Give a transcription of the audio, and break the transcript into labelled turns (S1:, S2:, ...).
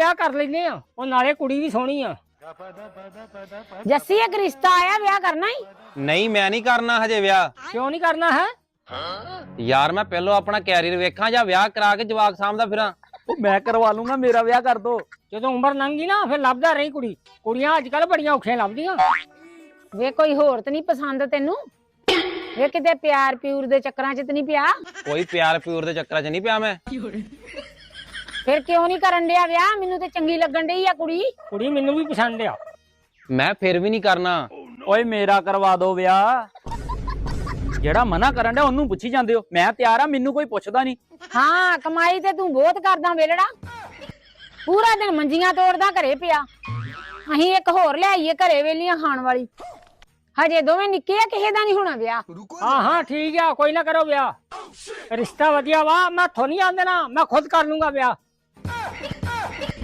S1: ਵਿਆਹ ਕਰ ਲੈਨੇ ਆ, ਉਹ ਨਾਲੇ ਕੁੜੀ ਵੀ ਸੋਹਣੀ ਆ।
S2: ਜੱਸੀ ਇੱਕ ਰਿਸ਼ਤਾ ਆਇਆ, ਵਿਆਹ ਕਰਨਾ ਹੀ?
S3: ਨਹੀਂ ਮੈਂ ਨਹੀਂ ਕਰਨਾ ਹਜੇ ਵਿਆਹ।
S1: ਕਿਉਂ ਨਹੀਂ ਕਰਨਾ ਹੈ?
S3: ਯਾਰ ਮੈਂ ਪਹਿਲਾਂ ਆਪਣਾ ਕੈਰੀਅਰ ਵੇਖਾਂ ਜਾਂ ਵਿਆਹ ਕਰਾ ਕੇ ਜਵਾਕ ਸਾਂਭਦਾ ਫਿਰਾਂ।
S4: ਉਹ ਮੈਂ ਕਰਵਾ ਲੂੰਗਾ, ਮੇਰਾ ਵਿਆਹ ਕਰ ਦੋ।
S1: ਜਦੋਂ ਉਮਰ ਲੰਘ ਗਈ ਨਾ ਫਿਰ ਲੱਭਦਾ ਰਹੀ ਕੁੜੀ। ਕੁੜੀਆਂ ਅੱਜ ਕੱਲ ਬੜੀਆਂ ਔਖੀਆਂ ਲੱਭਦੀਆਂ।
S2: ਵੇ ਕੋਈ ਹੋਰ ਤੇ ਨਹੀਂ ਪਸੰਦ ਤੈਨੂੰ? ਵੇ ਕਿਤੇ ਪਿਆਰ ਪਿਊਰ ਦੇ ਚੱਕਰਾਂ 'ਚ ਤੇ ਨਹੀਂ ਪਿਆ?
S3: ਕੋਈ ਪਿਆਰ ਪਿਊਰ ਦੇ ਚੱਕਰਾਂ 'ਚ ਨਹੀਂ ਪਿਆ ਮੈਂ।
S2: ਫਿਰ ਕਿਉਂ ਨਹੀਂ ਕਰਨ ਡਿਆ ਵਿਆਹ? ਮੈਨੂੰ ਤੇ ਚੰਗੀ ਲੱਗਣ ਡਈ ਆ ਕੁੜੀ।
S1: ਕੁੜੀ ਮੈਨੂੰ ਵੀ ਪਸੰਦ ਆ।
S3: ਮੈਂ ਫਿਰ ਵੀ ਨਹੀਂ ਕਰਨਾ।
S4: ਓਏ ਮੇਰਾ ਕਰਵਾ ਦੋ ਵਿਆਹ। ਜਿਹੜਾ ਮਨਾ ਕਰਨ ਡਿਆ ਉਹਨੂੰ ਪੁੱਛੀ ਜਾਂਦੇ ਹੋ। ਮੈਂ ਤਿਆਰ ਆ, ਮੈਨੂੰ ਕੋਈ ਪੁੱਛਦਾ ਨਹੀਂ।
S2: ਹਾਂ ਕਮਾਈ ਤੇ ਤੂੰ ਬਹੁਤ ਕਰਦਾ ਵੇਲੜਾ, ਪੂਰਾ ਦਿਨ ਮੰਜੀਆਂ ਤੋੜਦਾ ਘਰੇ ਪਿਆ। ਅਸੀਂ ਇੱਕ ਹੋਰ ਲਿਆਈਏ ਘਰੇ ਵੇਲੀਆਂ ਖਾਣ ਵਾਲੀ। ਹਜੇ ਦੋਵੇਂ ਨਿੱਕੇ ਆ, ਕਿਸੇ ਦਾ ਨਹੀਂ ਹੋਣਾ ਵਿਆਹ।
S1: ਹਾਂ ਹਾਂ ਠੀਕ ਆ, ਕੋਈ ਨਾ ਕਰੋ ਵਿਆਹ। ਰਿਸ਼ਤਾ ਵਧੀਆ ਵਾ, ਮੈਂ ਥੋ ਨਹੀਂ ਆਂਦੇ ਨਾ, ਮੈਂ ਖੁਦ ਕਰ ਲੂੰਗਾ ਵਿਆਹ।